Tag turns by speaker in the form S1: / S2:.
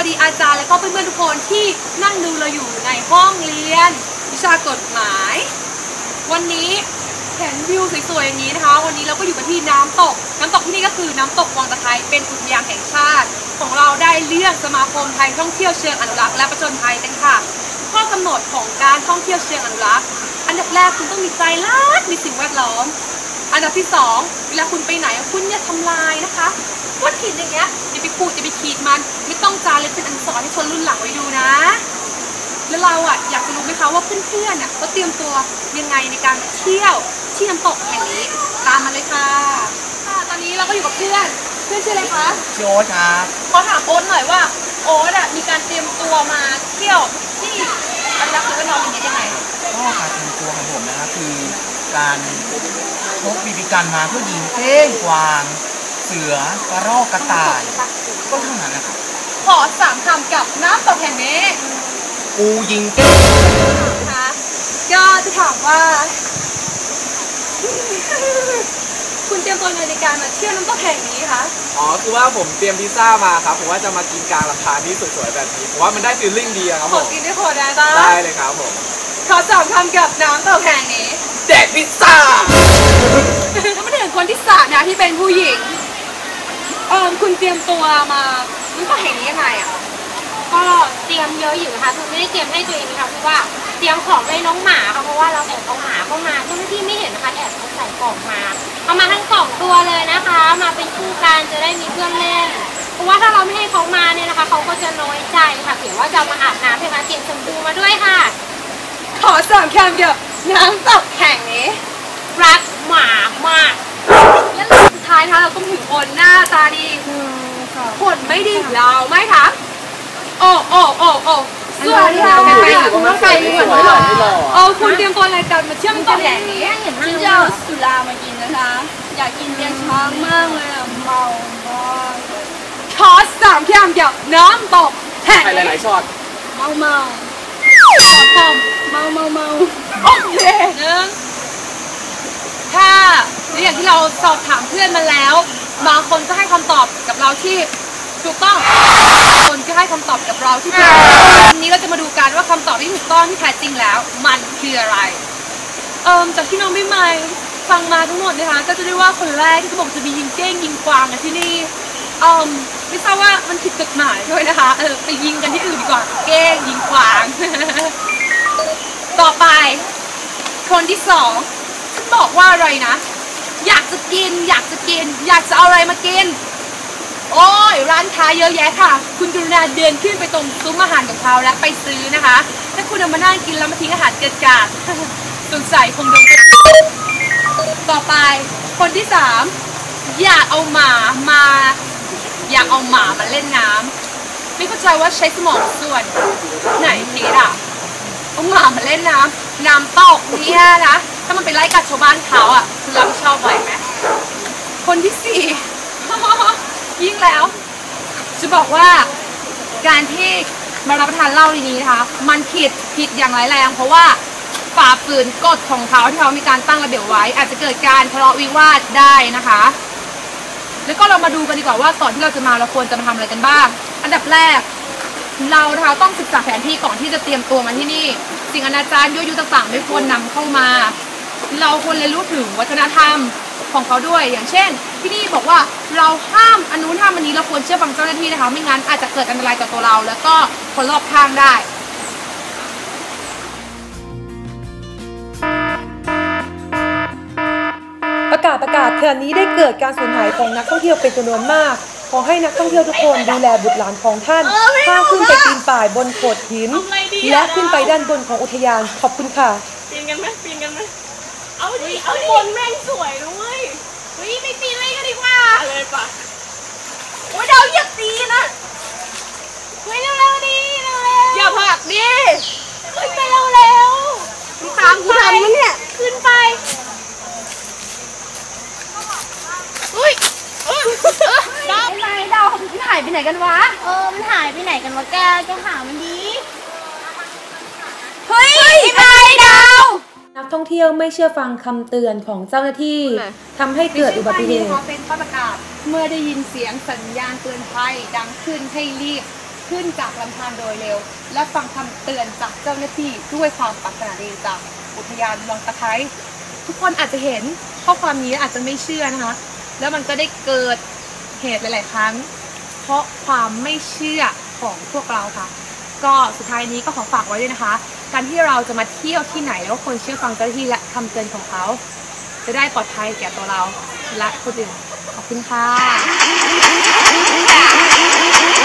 S1: ดีอาจารย์และก็เพื่อนๆทุกคนที่นั่งดูเราอยู่ในห้องเรียนวิชากฎหมายวันนี้เห็นวิวสวยๆอย่างนี้นะคะวันนี้เราก็อยู่กันที่น้ำตกที่นี่ก็คือน้ำตกวังตะไคร้เป็นอุทยานแห่งชาติของเราได้เลือกสมาคมไทยท่องเที่ยวเชิงอนุรักษ์และผจญภัยกันค่ะข้อกำหนดของการท่องเที่ยวเชิงอนุรักษ์อันดับแรกคุณต้องมีใจรักในสิ่งแวดล้อมอันดับที่2เวลาคุณไปไหนคุณอย่าทำลายนะคะก้อนหินอย่างเงี้ยอย่าไปขูดอย่าไปขีดมันไม่ต้องจารึกเป็นอักษรให้ชนรุ่นหลังไว้ดูนะแล้วเราอยากจะรู้ไหมคะว่าเพื่อนๆเขาเตรียมตัวยังไงในการเที่ยวที่น้ำตกแห่งนี้ตามมาเลยค่ะตอนนี้เราก็อยู่กับเพื่อนชื่ออะไรคะ
S2: ชื่อโอ๊ตครับ
S1: ขอถามโอ๊ตหน่อยว่าโอ๊ตมีการเตรียมตัวมาเที่ยวที่อนุรักษ์และน้องอย่างนี้ยังไง
S2: ก็การเตรียมตัวของผมนะครับคือการพกบีบีกันมาเพื่อยิงเก้งกวางเสือกระรอกกระต่ายก็เท่านั้นนะครับ
S1: ขอ3 คำกับน้ำตกแห่งนี้
S2: กูยิงเก้ง
S1: นะคะก็จะถามว่าคุณเตรียมตัวในการมาเที่ยวน้ำตกแห่งนี้คะ
S3: คือว่าผมเตรียมพิซซ่ามาครับผมว่าจะมากินกลางลำธารที่สวยๆแบบนี้ผมว่ามันได้ฟีลลิ่งดีครับผม
S1: กินได้พอได้จ้า
S3: ได้เลยครับผม
S1: ขอ3 คำกับน้ำตกแห่งนี้
S3: แดกพิซซ่า
S1: แล้วมาถึงคนที่3นะที่เป็นผู้หญิงคุณเตรียมตัวมาน้ำตกแห่งนี้ยังไง
S4: ก็เตรียมเยอะอยู่นะคะคือไม่ได้เตรียมให้ตัวเองนะคะคือว่าเตรียมของให้น้องหมาค่ะเพราะว่าเราแอบเอาหมาเข้ามาเจ้าหน้าที่ไม่เห็นนะคะแอบเอาใส่กล่องมาเอามาทั้ง2 ตัวเลยนะคะมาเป็นคู่กันจะได้มีเพื่อนเล่นเพราะว่าถ้าเราไม่ให้เขามาเนี่ยนะคะเขาก็จะน้อยใจค่ะเผื่อว่าจะมาอาบน้ำใช่ไหมเตรียมชมพูมาด้วยค่ะ
S1: ขอ3 คำกับน้ำตกแห่งนี้
S4: รักหมามาก
S1: และสุดท้ายนะคะเราก็ถึงคนหน้าตาดีคนไม่ดีเราไม่คะโอ้สวัสดีค่ะคุณต้องไปสวยหรอคุณเตรียมตัวอะไรกันมาเชื่อมต่อแห่งนี้
S4: ฉันจะเอาสุรามากินนะคะอยากกินเบียร์ช้างมากเลยเมามาก
S1: ขอ3 คำกับน้ำตกแห่ง
S3: หลายๆช็อต
S4: เมา
S1: โอเคถ้าอย่างที่เราสอบถามเพื่อนมาแล้วบางคนก็ให้คำตอบกับเราที่ถูกต้องคนก็ให้คำตอบกับเราที่ผิดวันนี้เราจะมาดูกันว่าคำตอบที่ถูกต้องที่แท้จริงแล้วมันคืออะไรจากที่น้องไม่ไม่ฟังมาทั้งหมดนะคะก็จะได้ว่าคนแรกที่เขาบอกจะมียิงเก้งยิงกวางกันที่นี่ไม่ทราบว่ามันผิดกฎหมายด้วยนะคะไปยิงกันที่อื่นดีกว่าเก้งยิงกวางต่อไปคนที่2ฉันบอกว่าอะไรนะอยากจะเอาอะไรมากินโอ้ยร้านค้าเยอะแยะค่ะคุณกรุณาเดินขึ้นไปตรงซุ้มอาหารของเขาและไปซื้อนะคะถ้าคุณเอามานั่งกินแล้วมาทิ้งอาหารเกินกาดสงสัยคงโดนต่อไปคนที่3อยากเอาหมามาเล่นน้ำไม่เข้าใจว่าใช้สมองส่วนไหนคิดเอาหมามาเล่นน้ำตกเนี่ยนะถ้ามันไปไล่กัดชาวบ้านเขาคุณรับผิดชอบไหวไหมคนที่4ยิ่งแล้วจะบอกว่าการที่มารับประทานเหล้าดีๆนะคะมันผิดอย่างร้ายแรงเพราะว่าฝ่าฝืนกฎของเขาที่เขามีการตั้งระเบียบไว้อาจจะเกิดการทะเลาะวิวาทได้นะคะแล้วก็เรามาดูกันดีกว่าว่าก่อนที่เราจะมาเราควรจะมาทำอะไรกันบ้างอันดับแรกเรานะคะต้องศึกษาแผนที่ก่อนที่จะเตรียมตัวมาที่นี่สิ่งอนาจารยั่วยุต่างๆไม่ควรนำเข้ามาเราควรเรียนรู้ถึงวัฒนธรรมของเขาด้วยอย่างเช่นที่นี่บอกว่าเราห้ามอันนู้นห้ามอันนี้เราควรเชื่อฟังเจ้าหน้าที่นะคะไม่งั้นอาจจะเกิดอันตรายต่อตัวเราแล้วก็คนรอบข้างได้ประกาศขณะนี้ได้เกิดการสูญหายของนักท่องเที่ยวเป็นจำนวนมากขอให้นักท่องเที่ยวทุกคนดูแลบุตรหลานของท่านห้ามขึ้นไปปีนป่ายบนโขดหินและขึ้นไปด้านบนของอุทยานขอบคุณค่ะ
S4: ปีนกันไหมเอาบนแม่งสวยด้วยไม่ปีนเลยก็ดีกว่าอะไรปะโอ้ยเราอย่าตีนะเร็วดิ
S1: อย่าผลักดิ
S4: ขึ้นไปเร็ว
S1: ตามกูทันมั้ยเนี่ย
S4: ขึ้นไป
S1: ดาวมันหายไปไหนกันวะ
S4: มันหายไปไหนกันวะแกหามันดี
S1: เฮ้ยไปดาวนักท่องเที่ยวไม่เชื่อฟังคำเตือนของเจ้าหน้าที่ทำให้เกิดอุบัติเหตุเป็นประกาศเมื่อได้ยินเสียงสัญญาณเตือนภัยดังขึ้นให้รีบขึ้นจากลำธารโดยเร็ว และฟังคำเตือนจากเจ้าหน้าที่ด้วยความปรารถนาดีจากอุทยานวังตะไคร้ทุกคนอาจจะเห็นข้อความนี้อาจจะไม่เชื่อนะคะ แล้วมันก็ได้เกิดเหตุหลาย ๆ ครั้ง เพราะความไม่เชื่อของพวกเราค่ะ ก็สุดท้ายนี้ก็ขอฝากไว้ด้วยนะคะ การที่เราจะมาเที่ยวที่ไหนแล้วควรเชื่อฟังเจ้าหน้าที่และคำเตือนของเขาจะได้ปลอดภัยแก่ตัวเราและคนอื่นขอบคุณค่ะ